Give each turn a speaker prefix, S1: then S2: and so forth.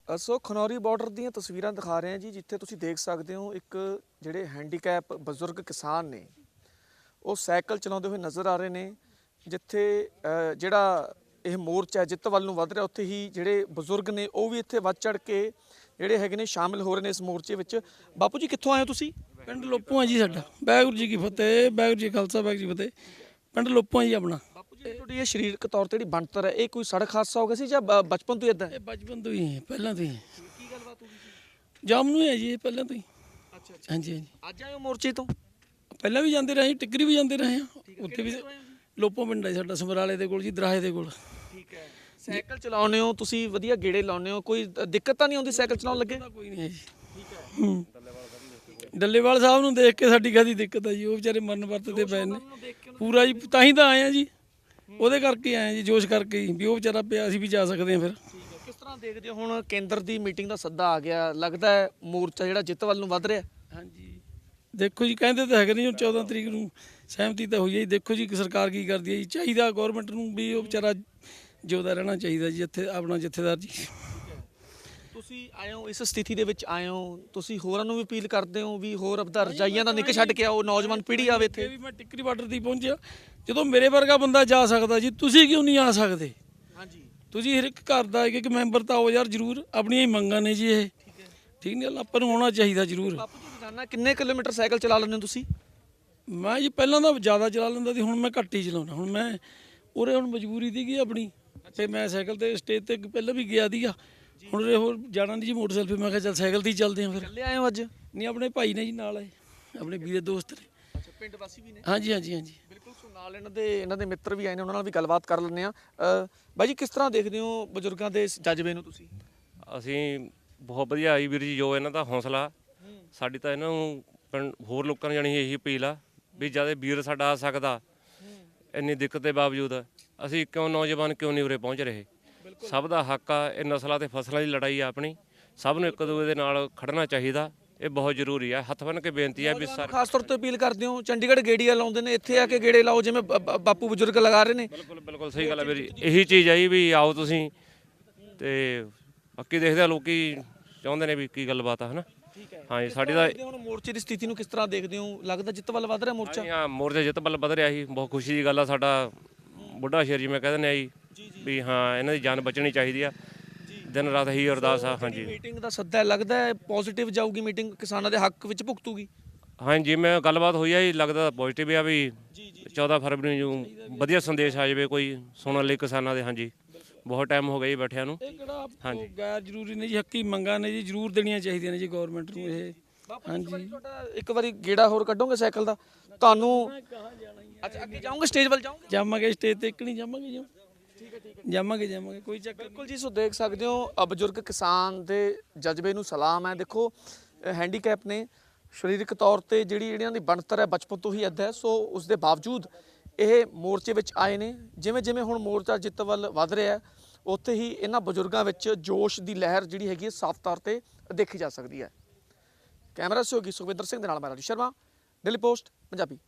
S1: ਸੋ Khanauri border ਦੀਆਂ ਤਸਵੀਰਾਂ ਦਿਖਾ ਰਹੇ ਹਾਂ ਜੀ, ਜਿੱਥੇ ਤੁਸੀਂ ਦੇਖ ਸਕਦੇ ਹੋ ਇੱਕ ਜਿਹੜੇ ਹੈਂਡੀਕੈਪ ਬਜ਼ੁਰਗ ਕਿਸਾਨ ਨੇ ਉਹ ਸਾਈਕਲ ਚਲਾਉਂਦੇ ਹੋਏ ਨਜ਼ਰ ਆ ਰਹੇ ਨੇ। ਜਿੱਥੇ ਜਿਹੜਾ ਇਹ ਮੋਰਚਾ ਜਿੱਤ ਵੱਲ ਨੂੰ ਵੱਧ ਰਿਹਾ, ਉੱਥੇ ਹੀ ਜਿਹੜੇ ਬਜ਼ੁਰਗ ਨੇ ਉਹ ਵੀ ਇੱਥੇ ਵੱਧ ਚੜ ਕੇ ਜਿਹੜੇ ਹੈਗੇ ਨੇ ਸ਼ਾਮਿਲ ਹੋ ਰਹੇ ਨੇ ਇਸ ਮੋਰਚੇ ਵਿੱਚ। ਬਾਪੂ ਜੀ ਕਿੱਥੋਂ ਆਏ ਹੋ ਤੁਸੀਂ?
S2: ਪਿੰਡ ਲੋਪੋ ਆ ਜੀ ਸਾਡਾ। ਵਾਹਿਗੁਰੂ ਜੀ ਕੀ ਫਤਿਹ, ਵਾਹਿਗੁਰੂ ਜੀ ਖਾਲਸਾ, ਵਾਹਿਗੁਰੂ ਜੀ ਫਤਿਹ। ਪਿੰਡ ਲੋਪੋ ਆ ਜੀ ਆਪਣਾ।
S1: ਬਾਪੂ ਜੀ ਤੁਹਾਡੀ ਇਹ ਸਰੀਰਕ ਤੌਰ ਤੇ ਜਿਹੜੀ ਬਣਤਰ ਹੈ, ਇਹ ਕੋਈ ਸੜਕ ਹਾਦਸਾ ਹੋ ਗਿਆ ਸੀ ਜਾਂ ਬਚਪਨ ਤੋਂ ਹੀ ਇਦਾਂ?
S2: ਇਹ ਬਚਪਨ ਤੋਂ ਹੀ ਪਹਿਲਾਂ ਤੋਂ ਹੀ
S1: ਕੀ ਗੱਲਬਾਤ ਹੋ ਗਈ ਸੀ?
S2: ਜਾਮ ਨੂੰ ਹੈ ਜੀ ਇਹ ਪਹਿਲਾਂ ਤੋਂ ਹੀ।
S1: ਅੱਛਾ
S2: ਹਾਂਜੀ ਹਾਂਜੀ,
S1: ਅੱਜ ਆਏ ਹੋ ਮੋਰਚੇ ਤੋਂ?
S2: ਪਹਿਲਾਂ ਵੀ ਜਾਂਦੇ ਰਹੇ, ਟਿੱਕਰੀ ਵੀ ਜਾਂਦੇ ਰਹੇ ਆ। ਉੱਥੇ ਵੀ ਲੋਪੋ ਪਿੰਡ ਹੈ ਸਾਡਾ, ਸਮਰਾਲੇ ਦੇ ਕੋਲ ਜੀ, ਦਰਾਹੇ ਦੇ ਕੋਲ।
S1: ਠੀਕ ਹੈ। ਸਾਈਕਲ ਚਲਾਉਂਦੇ ਹੋ ਤੁਸੀਂ, ਵਧੀਆ ਗੇੜੇ ਲਾਉਂਦੇ ਹੋ, ਕੋਈ ਦਿੱਕਤ ਤਾਂ ਨਹੀਂ ਆਉਂਦੀ ਸਾਈਕਲ ਚਲਾਉਣ ਲੱਗੇ?
S2: ਕੋਈ ਨਹੀਂ ਹੈ ਜੀ।
S1: ਠੀਕ ਹੈ।
S2: ਡੱਲੇਵਾਲ ਸਾਹਿਬ ਨੂੰ ਦੇਖ ਕੇ ਸਾਡੀ ਕਾਹਦੀ ਦਿੱਕਤ ਹੈ ਜੀ, ਉਹ ਵਿਚਾਰੇ ਮਰਨ ਵਰਤ ਤੇ ਪਏ ਨੇ ਪੂਰਾ ਜੀ, ਤਾਂ ਹੀ ਤਾਂ ਆਏ ਆ ਜੀ, ਉਹਦੇ ਕਰਕੇ ਆਏ ਜੀ, ਜੋਸ਼ ਕਰਕੇ ਹੀ, ਵੀ ਉਹ ਵਿਚਾਰਾ ਪਿਆ, ਅਸੀਂ ਵੀ ਜਾ ਸਕਦੇ ਹਾਂ ਫਿਰ।
S1: ਠੀਕ ਹੈ। ਕਿਸ ਤਰ੍ਹਾਂ ਦੇਖਦੇ ਹੋ ਹੁਣ ਕੇਂਦਰ ਦੀ ਮੀਟਿੰਗ ਦਾ ਸੱਦਾ ਆ ਗਿਆ, ਲੱਗਦਾ ਹੈ ਮੋਰਚਾ ਜਿਹੜਾ ਜਿੱਤ ਵੱਲ ਨੂੰ ਵੱਧ ਰਿਹਾ?
S2: ਹਾਂਜੀ ਦੇਖੋ ਜੀ, ਕਹਿੰਦੇ ਤਾਂ ਹੈਗੇ ਨਹੀਂ, ਹੁਣ 14 ਤਰੀਕ ਨੂੰ ਸਹਿਮਤੀ ਤਾਂ ਹੋਈ ਹੈ ਜੀ। ਦੇਖੋ ਜੀ ਸਰਕਾਰ ਕੀ ਕਰਦੀ ਹੈ ਜੀ। ਚਾਹੀਦਾ ਗੌਰਮੈਂਟ ਨੂੰ ਵੀ ਉਹ ਵਿਚਾਰਾ ਜਿਉਂਦਾ ਰਹਿਣਾ ਚਾਹੀਦਾ ਜੀ, ਇੱਥੇ ਆਪਣਾ ਜਥੇਦਾਰ ਜੀ।
S1: ਤੁਸੀਂ ਆਏ ਹੋ ਇਸ ਸਥਿਤੀ ਦੇ ਵਿੱਚ ਆਏ ਹੋ, ਤੁਸੀਂ ਹੋਰਾਂ ਨੂੰ ਵੀ ਅਪੀਲ ਕਰਦੇ ਹੋ ਵੀ ਹੋਰ ਆਪਦਾ ਰਜਾਈਆਂ ਦਾ ਨਿੱਕ ਛੱਡ ਕੇ ਆਓ, ਨੌਜਵਾਨ ਪੀੜ੍ਹੀ ਆਵੇ ਇੱਥੇ?
S2: ਵੀ ਮੈਂ ਟਿੱਕਰੀ ਬਾਰਡਰ ਦੀ ਪਹੁੰਚਿਆ, ਜਦੋਂ ਮੇਰੇ ਵਰਗਾ ਬੰਦਾ ਜਾ ਸਕਦਾ ਜੀ, ਤੁਸੀਂ ਕਿਉਂ ਨਹੀਂ ਆ ਸਕਦੇ?
S1: ਹਾਂਜੀ।
S2: ਤੁਸੀਂ ਹਰ ਇੱਕ ਘਰ ਦਾ ਇੱਕ ਮੈਂਬਰ ਤਾਂ ਆਓ ਯਾਰ, ਜ਼ਰੂਰ ਆਪਣੀਆਂ ਹੀ ਮੰਗਾਂ ਨੇ ਜੀ ਇਹ। ਠੀਕ ਨਹੀਂ, ਆਪਾਂ ਨੂੰ ਆਉਣਾ ਚਾਹੀਦਾ ਜ਼ਰੂਰ।
S1: ਬਾਪੂ ਜੀ ਰੋਜ਼ਾਨਾ ਕਿੰਨੇ ਕਿਲੋਮੀਟਰ ਸਾਈਕਲ ਚਲਾ ਲੈਂਦੇ ਹੋ ਤੁਸੀਂ?
S2: ਮੈਂ ਜੀ ਪਹਿਲਾਂ ਤਾਂ ਜ਼ਿਆਦਾ ਚਲਾ ਲੈਂਦਾ ਸੀ, ਹੁਣ ਮੈਂ ਘੱਟ ਹੀ ਚਲਾਉਣਾ। ਹੁਣ ਮੈਂ ਉਰੇ ਹੁਣ ਮਜਬੂਰੀ ਸੀਗੀ ਆਪਣੀ, ਤੇ ਮੈਂ ਸਾਈਕਲ ਤੇ ਸਟੇਜ ਤੇ ਪਹਿਲਾਂ ਵੀ ਗਿਆ ਸੀਗਾ। ਹੁਣ ਉਰੇ ਹੋਰ ਜਾਣਾ ਨਹੀਂ ਜੀ ਮੋਟਰਸਾਈਕਲ, ਫਿਰ ਮੈਂ ਕਿਹਾ ਚੱਲ ਸਾਈਕਲ ਤੇ ਹੀ ਚੱਲਦੇ ਹਾਂ ਫਿਰ।
S1: ਇਕੱਲੇ ਆਏ ਹੋ ਅੱਜ?
S2: ਨਹੀਂ, ਆਪਣੇ ਭਾਈ ਨੇ ਜੀ ਨਾਲ ਆਏ, ਆਪਣੇ ਵੀਰੇ ਦੋਸਤ ਨੇ।
S1: ਅੱਛਾ, ਪਿੰਡ ਵਾਸੀ ਵੀ ਨੇ?
S2: ਹਾਂਜੀ ਹਾਂਜੀ ਹਾਂਜੀ
S1: ਬਿਲਕੁਲ। ਸੋ ਨਾਲ ਇਹਨਾਂ ਦੇ ਮਿੱਤਰ ਵੀ ਆਏ ਨੇ, ਉਹਨਾਂ ਨਾਲ ਵੀ ਗੱਲਬਾਤ ਕਰ ਲੈਂਦੇ ਆ। ਬਾਈ ਜੀ ਕਿਸ ਤਰ੍ਹਾਂ ਦੇਖਦੇ ਹੋ ਬਜ਼ੁਰਗਾਂ ਦੇ ਇਸ ਜਜ਼ਬੇ ਨੂੰ ਤੁਸੀਂ?
S3: ਅਸੀਂ ਬਹੁਤ ਵਧੀਆ ਆਈ ਵੀਰ ਜੀ, ਜੋ ਇਹਨਾਂ ਦਾ ਹੌਸਲਾ। ਸਾਡੀ ਤਾਂ ਇਹਨਾਂ ਨੂੰ ਹੋਰ ਲੋਕਾਂ ਨੂੰ ਜਾਣੀ ਇਹੀ ਅਪੀਲ ਆ ਵੀ ਜਦ ਵੀਰ ਸਾਡਾ ਆ ਸਕਦਾ ਇੰਨੀ ਦਿੱਕਤ ਦੇ ਬਾਵਜੂਦ, ਅਸੀਂ ਕਿਉਂ ਨੌਜਵਾਨ ਕਿਉਂ ਨਹੀਂ ਉਰੇ ਪਹੁੰਚ ਰਹੇ? ਸਭ ਦਾ ਹੱਕ ਆ, ਇਹ ਨਸਲਾਂ ਤੇ ਫਸਲਾਂ ਦੀ ਲੜਾਈ ਆ ਆਪਣੀ, ਸਭ ਨੂੰ ਇੱਕ ਦੂਜੇ ਦੇ ਨਾਲ ਖੜਨਾ ਚਾਹੀਦਾ, ਇਹ ਬਹੁਤ ਜ਼ਰੂਰੀ ਆ। ਹੱਥ ਬੰਨ੍ਹ ਕੇ ਬੇਨਤੀ ਆ ਵੀ
S1: ਖਾਸ ਤੌਰ ਤੇ ਅਪੀਲ ਕਰਦੇ ਹੋ, ਚੰਡੀਗੜ੍ਹ ਗੇੜੀਆਂ ਲਾਉਂਦੇ ਨੇ, ਇੱਥੇ ਆ ਕੇ ਗੇੜੇ ਲਾਓ ਜਿਵੇਂ ਬਾਪੂ ਬਜ਼ੁਰਗ ਲਗਾ ਰਹੇ ਨੇ।
S3: ਬਿਲਕੁਲ ਬਿਲਕੁਲ ਸਹੀ ਗੱਲ ਹੈ ਵੀਰ ਜੀ, ਇਹੀ ਚੀਜ਼ ਆਈ ਵੀ ਆਓ ਤੁਸੀਂ, ਤੇ ਬਾਕੀ ਦੇਖਦੇ ਆ ਲੋਕੀ ਚਾਹੁੰਦੇ ਨੇ ਵੀ ਕੀ ਗੱਲਬਾਤ ਆ, ਹਨਾ। ਹਾਂਜੀ, ਸਾਡੀ ਤਾਂ
S1: ਹੁਣ ਮੋਰਚੇ ਦੀ ਸਥਿਤੀ ਨੂੰ ਕਿਸ ਤਰ੍ਹਾਂ ਦੇਖਦੇ ਹੋ? ਲੱਗਦਾ ਜਿੱਤ ਵੱਲ ਵੱਧ ਰਿਹਾ ਮੋਰਚਾ?
S3: ਹਾਂ, ਮੋਰਚਾ ਜਿੱਤ ਵੱਲ ਵਧ ਰਿਹਾ ਸੀ, ਬਹੁਤ ਖੁਸ਼ੀ ਦੀ ਗੱਲ ਆ। ਸਾਡਾ ਬੁੱਢਾ ਸ਼ੇਰ ਜਿਵੇਂ ਕਹਿ ਦਿੰਦੇ ਆ ਜੀ ਵੀ ਹਾਂ, ਇਹਨਾਂ ਦੀ ਜਾਨ ਬਚਣੀ ਚਾਹੀਦੀ ਆ, ਦਿਨ ਰਾਤ ਇਹੀ ਅਰਦਾਸ ਆ। ਹਾਂਜੀ,
S1: ਮੀਟਿੰਗ ਦਾ ਸੱਦਾ ਲੱਗਦਾ ਹੈ ਪੋਜ਼ਿਟਿਵ ਜਾਊਗੀ ਮੀਟਿੰਗ, ਕਿਸਾਨਾਂ ਦੇ ਹੱਕ ਵਿੱਚ ਭੁਗਤੂਗੀ?
S3: ਹਾਂਜੀ, ਮੈਂ ਗੱਲਬਾਤ ਹੋਈ ਆ ਜੀ, ਲੱਗਦਾ ਪੋਜ਼ਿਟਿਵ ਆ ਵੀ 14 ਫਰਵਰੀ ਨੂੰ ਵਧੀਆ ਸੰਦੇਸ਼ ਆ ਜਾਵੇ ਕੋਈ ਸੁਣਨ ਲਈ ਕਿਸਾਨਾਂ ਦੇ। ਹਾਂਜੀ, ਬਹੁਤ ਟਾਈਮ ਹੋ ਗਿਆ ਜੀ ਬੈਠਿਆਂ ਨੂੰ।
S2: ਇਹ ਕਿਹੜਾ ਗੈਰ ਜ਼ਰੂਰੀ ਨਹੀਂ ਜੀ, ਹੱਕੀ ਮੰਗਾਂ ਨੇ ਜੀ, ਜ਼ਰੂਰ ਦੇਣੀਆਂ ਚਾਹੀਦੀਆਂ ਨੇ ਜੀ ਗੌਰਮੈਂਟ ਨੂੰ ਇਹ। ਹਾਂਜੀ,
S1: ਤੁਹਾਡਾ ਇੱਕ ਵਾਰੀ ਗੇੜਾ ਹੋਰ ਕੱਢੋਗੇ ਸਾਈਕਲ ਦਾ ਤੁਹਾਨੂੰ? ਅੱਛਾ, ਅੱਗੇ ਜਾਓਗੇ, ਸਟੇਜ ਵੱਲ ਜਾਓਗੇ?
S2: ਜਾਵਾਂਗੇ ਸਟੇਜ ਤੇ, ਇੱਕ ਨਹੀਂ ਜਾਵਾਂਗੇ ਜੀ। ਜਾਵਾਂਗੇ ਕੋਈ ਚੱਕਰ।
S1: ਬਿਲਕੁਲ ਜੀ। ਸੋ ਦੇਖ ਸਕਦੇ ਹੋ ਬਜ਼ੁਰਗ ਕਿਸਾਨ ਦੇ ਜਜ਼ਬੇ ਨੂੰ ਸਲਾਮ ਹੈ। ਦੇਖੋ ਹੈਂਡੀਕੈਪ ਨੇ, ਸਰੀਰਕ ਤੌਰ ਤੇ ਜਿਹੜੀ ਇਹਨਾਂ ਦੀ ਬਣਤਰ ਹੈ ਬਚਪਨ ਤੋਂ ਹੀ ਇੱਦਾਂ ਹੈ, ਸੋ ਉਸ ਦੇ ਬਾਵਜੂਦ ਇਹ ਮੋਰਚੇ ਵਿੱਚ ਆਏ ਨੇ। ਜਿਵੇਂ ਜਿਵੇਂ ਹੁਣ ਮੋਰਚਾ ਜਿੱਤ ਵੱਲ ਵੱਧ ਰਿਹਾ ਹੈ, ਉੱਥੇ ਹੀ ਇਹਨਾਂ ਬਜ਼ੁਰਗਾਂ ਵਿੱਚ ਜੋਸ਼ ਦੀ ਲਹਿਰ ਜਿਹੜੀ ਹੈਗੀ ਹੈ ਸਾਫ਼ ਤੌਰ ਤੇ ਦੇਖੀ ਜਾ ਸਕਦੀ ਹੈ। ਕੈਮਰਾ ਸਹਿਯੋਗੀ ਸੁਖਵਿੰਦਰ ਸਿੰਘ ਦੇ ਨਾਲ ਮੈਂ ਰਾਜੂ ਸ਼ਰਮਾ, ਡੇਲੀ ਪੋਸਟ ਪੰਜਾਬੀ।